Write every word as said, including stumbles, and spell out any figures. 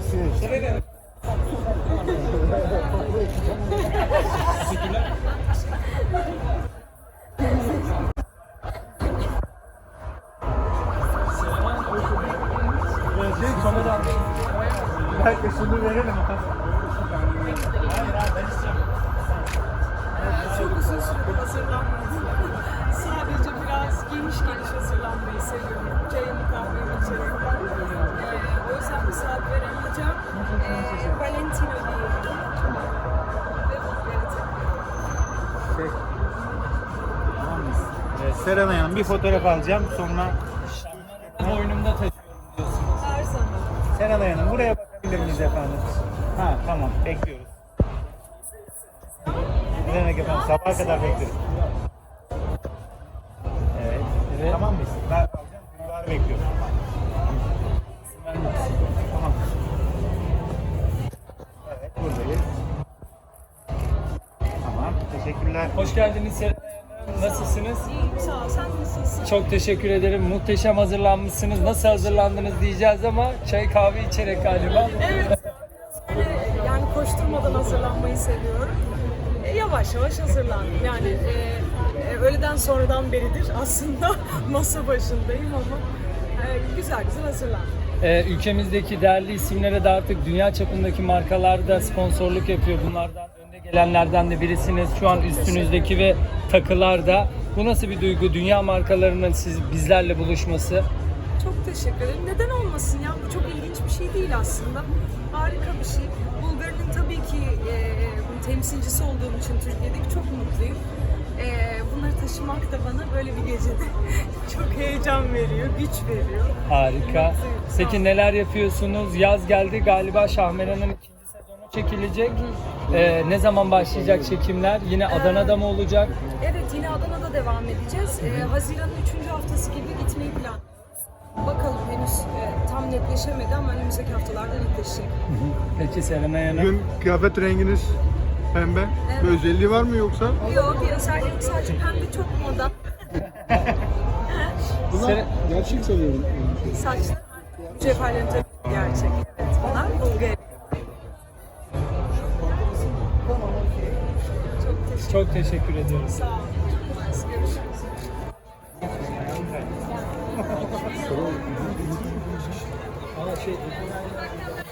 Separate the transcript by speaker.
Speaker 1: Teşekkürler.
Speaker 2: Şey, kamera. Belki şunu verelim. Hayır hayır ben istiyorum.
Speaker 3: Çok uzun süre hazırlanmadım. Sadece biraz geniş geniş hazırlanmayı seviyorum. Çayımı kahvemi içerek. Ee, o yüzden bir saat veremeyeceğim. Ee, Valentino diyelim. Ve bunları takıyorum.
Speaker 2: Şey. Tamam mıyız? Evet, Serenay Hanım bir fotoğraf alacağım sonra
Speaker 1: Boynumda taşıyorum diyorsunuz.
Speaker 3: Her zaman.
Speaker 2: Serenay Hanım buraya bakabilir miyiz efendim? Ha tamam bekliyoruz. Ne demek efendim sabaha kadar bekliyoruz. Evet.
Speaker 1: Evet.
Speaker 2: Tamam mıyız? Ben alacağım. Gülbar'ı bekliyorum. Tamam. Evet buradayız. Tamam teşekkürler.
Speaker 1: Hoş geldiniz Serenay Hanım. Nasılsınız?
Speaker 3: İyiyim sağ ol. Sen nasılsın?
Speaker 1: Çok teşekkür ederim. Muhteşem hazırlanmışsınız. Nasıl hazırlandınız diyeceğiz ama çay kahve içerek galiba.
Speaker 3: Evet. Böyle yani koşturmadan hazırlanmayı seviyorum. E, yavaş yavaş hazırlandım. Yani e, e, öğleden sonradan beridir aslında masa başındayım ama e, güzel güzel hazırlandım.
Speaker 1: Ee, ülkemizdeki değerli isimlere de artık dünya çapındaki markalar da sponsorluk yapıyor. Bunlardan önde gelenlerden de birisiniz. Şu an üstünüzdeki ve takılar da. Bu nasıl bir duygu? Dünya markalarının siz bizlerle buluşması.
Speaker 3: Çok teşekkür ederim. Neden olmasın ya? Bu çok ilginç bir şey değil aslında. Harika bir şey. Bulgar'ın tabii ki e, temsilcisi olduğum için Türkiye'deki çok mutluyum. E, bunları taşımak da bana böyle bir gecede çok heyecan veriyor, güç veriyor.
Speaker 1: Harika.
Speaker 3: Mutluyum. Sağ
Speaker 1: Peki
Speaker 3: olun.
Speaker 1: neler yapıyorsunuz? Yaz geldi galiba Şahmeran'ın ikinci sezonu çekilecek. Ee, ne zaman başlayacak çekimler? Yine Adana'da mı olacak?
Speaker 3: Evet, yine Adana'da devam edeceğiz. E, Haziran'ın üçüncü haftası gibi gitmeyi planlıyoruz. Bakalım henüz e, tam netleşemedi ama önümüzdeki haftalarda netleşecek.
Speaker 1: Peki Serenay Hanım.
Speaker 4: Bugün kıyafet renginiz pembe. Bir özelliği var mı yoksa?
Speaker 3: Yok, bir özelliği yok. Sadece pembe çok moda.
Speaker 1: Seren-
Speaker 4: Gerçek sanıyorum.
Speaker 3: Saçlar cevherlerin tabii gerçek. Evet, bunlar Bulgar. Çok teşekkür
Speaker 1: Çok teşekkür ediyoruz.
Speaker 3: Sağ olun. Görüşürüz.
Speaker 1: Aa, şey,